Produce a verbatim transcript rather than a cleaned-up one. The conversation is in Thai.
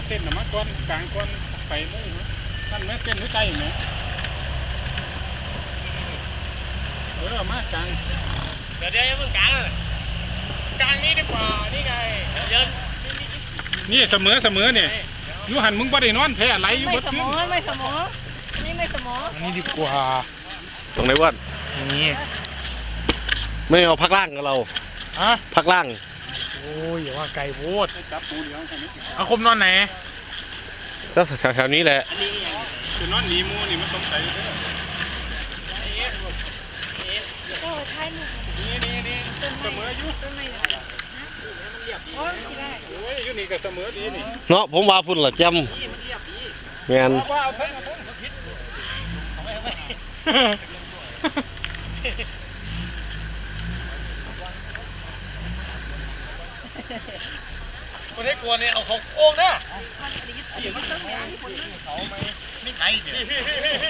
เส้นหน่อมาก้อนกลางก้อนไปเลยท่านแม่เส้นหรือใจไหมเออมากลางเดี๋ยวเดี๋ยวมึงกลางกลางนี้ดีกว่านี่ไงเดินนี่เสมอเสมอเนี่ยยูหันมึงบ่ได้นอนแพ้ไหลอยู่บไม่นเสมอไม่เสมอนี่ไม่เสมออันนี้ดีกว่าตรงไหนวะนี่ไม่เอาพักล่างกับเราฮะพักล่างโอ้ยอย่าว่าไก่โพดจับปูเดียวอาคมนอนไหนก็แถวๆนี้แหละคือนอนหนีมูนี่มันสงสัยเลยก็ใช่หนูนี่นี่นี่เสมออยู่ต้นไม้โอ้ยได้โอ้ยอยู่นี่ก็เสมอดีนี่เนาะผมว่าพุ่นละจำแมนว่าเอาเพิ่งเอาเพิ่งผิดคนให้กลัวเนี่ยเอาเขาโอ่งนะไม่ไกลเดี๋ยว